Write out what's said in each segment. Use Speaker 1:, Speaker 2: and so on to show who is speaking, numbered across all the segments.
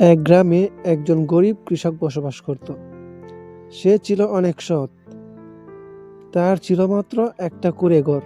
Speaker 1: এক গ্রামে একজন গরিব কৃষক বসবাস করত। সে ছিল অনেক সৎ। তার ছিল মাত্র একটা কুঁড়ে ঘর।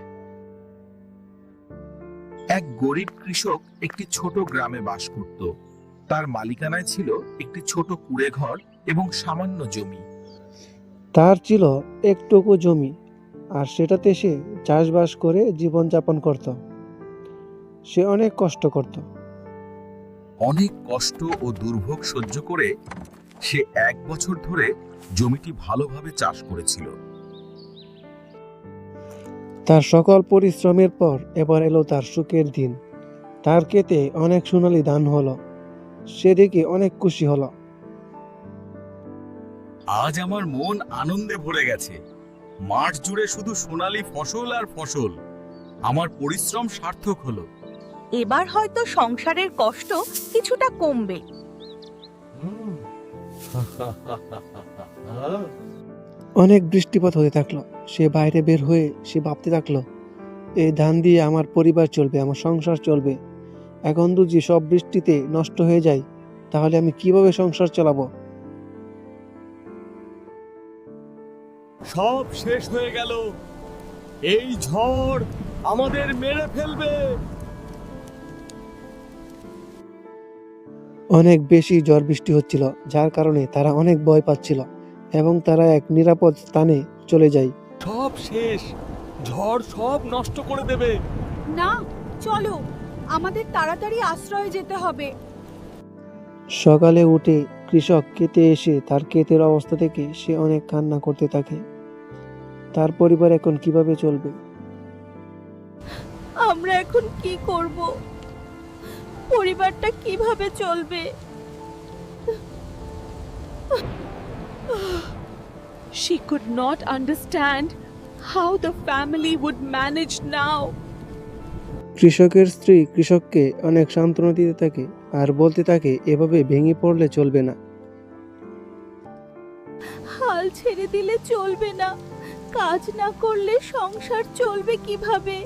Speaker 2: এক গরিব কৃষক একটি ছোট গ্রামে বাস করত। তার মালিকানায় ছিল একটি ছোট কুঁড়ে ঘর এবং সামান্য জমি।
Speaker 1: তার ছিল একটুকু জমি, আর সেটাতে সে চাষবাস করে জীবনযাপন করত। সে অনেক কষ্ট করত।
Speaker 2: অনেক কষ্ট ও দুর্ভোগ সহ্য করে সে 1 বছর ধরে জমিটি ভালোভাবে চাষ করেছিল।
Speaker 1: তার সকল পরিশ্রমের পর এবার এলো তার সুখের দিন। তার ক্ষেতে অনেক সোনালী ধান হলো। সে দেখে অনেক খুশি হলো।
Speaker 2: আজ আমার মন আনন্দে ভরে গেছে। মাঠ জুড়ে শুধু সোনালী ফসল আর ফসল। আমার পরিশ্রম সার্থক হলো।
Speaker 3: এবার হয়তো সংসারের কষ্ট কিছুটা কমবে।
Speaker 1: অনেক বৃষ্টিপাত হতে থাকলো। সে বাইরে বের হয়ে সে ভাবতে থাকলো, এই ধান দিয়ে আমার পরিবার চলবে, আমার সংসার চলবে। এখন যদি সব বৃষ্টিতে নষ্ট হয়ে যায়, তাহলে আমি কিভাবে সংসার চালাবো?
Speaker 4: সব শেষ হয়ে গেল। এই ঝড় আমাদের মেরে ফেলবে।
Speaker 1: অনেক বেশি ঝড় বৃষ্টি হচ্ছিল, যার কারণে তারা অনেক ভয় পাচ্ছিল এবং তারা এক নিরাপদ স্থানে চলে যায়।
Speaker 4: সব শেষ, ঝড় সব নষ্ট করে দেবে।
Speaker 3: না, চলো, আমাদের তাড়াতাড়ি আশ্রয়ে যেতে হবে।
Speaker 1: সকালে উঠে কৃষক ক্ষেতে এসে তার ক্ষেতের অবস্থা থেকে সে অনেক কান্না করতে থাকে। তার পরিবার এখন কিভাবে চলবে?
Speaker 3: আমরা এখন কি করব? পরিবারটা কিভাবে চলবে? She could not understand how the family would manage now.
Speaker 1: কৃষকের স্ত্রী কৃষককে অনেক সান্ত্বনা দিতে থাকে আর বলতে থাকে, এভাবে ভেঙে পড়লে চলবে না।
Speaker 3: হাল ছেড়ে দিলে চলবে না। কাজ না করলে সংসার চলবে কিভাবে?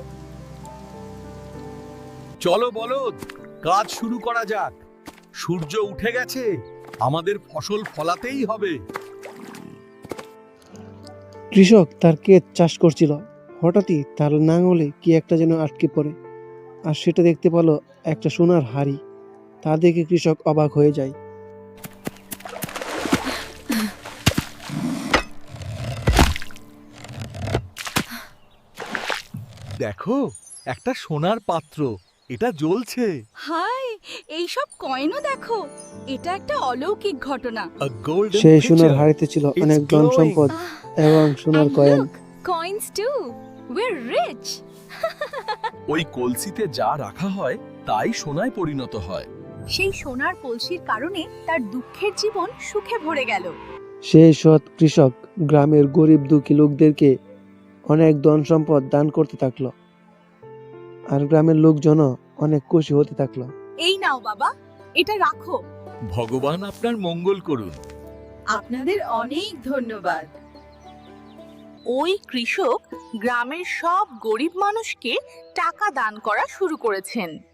Speaker 4: চলো বলদ, কাজ শুরু করা যাক। সূর্য উঠে গেছে, আমাদের ফসল ফলাতেই হবে।
Speaker 1: কৃষক তার ক্ষেত চাষ করছিল। হঠাৎই তার নাঙলে কি একটা যেন আটকে পড়ে, আর সেটা দেখতে পেল একটা সোনার হাড়ি। তা দেখে কৃষক অবাক হয়ে যায়।
Speaker 4: দেখো, একটা সোনার পাত্র, এটা জ্বলছে।
Speaker 3: হাই, এইসব কয়েনও দেখো। এটা একটা অলৌকিক ঘটনা।
Speaker 4: A golden
Speaker 1: সেই সোনার
Speaker 4: pitcher.
Speaker 1: হাড়িতে ছিল
Speaker 4: It's
Speaker 1: অনেক ধন
Speaker 4: glowing.
Speaker 1: সম্পদ এবং সোনার
Speaker 3: And
Speaker 1: coin.
Speaker 3: look, coins too. We're rich.
Speaker 2: ওই কলসিতে যা রাখা হয় তাই সোনায় পরিণত হয়।
Speaker 3: সেই সোনার কলসির কারণে তার দুঃখের জীবন সুখে ভরে গেল।
Speaker 1: সেই সৎ কৃষক গ্রামের গরিব দুঃখী লোকদেরকে অনেক ধন সম্পদ দান করতে থাকলো, আর গ্রামের লোকজনও অনেক খুশি হতে থাকলো।
Speaker 3: এই নাও বাবা, এটা রাখো।
Speaker 4: ভগবান আপনার মঙ্গল করুন।
Speaker 3: আপনাদের অনেক ধন্যবাদ। ওই কৃষক গ্রামের সব গরিব মানুষকে টাকা দান করা শুরু করেছেন।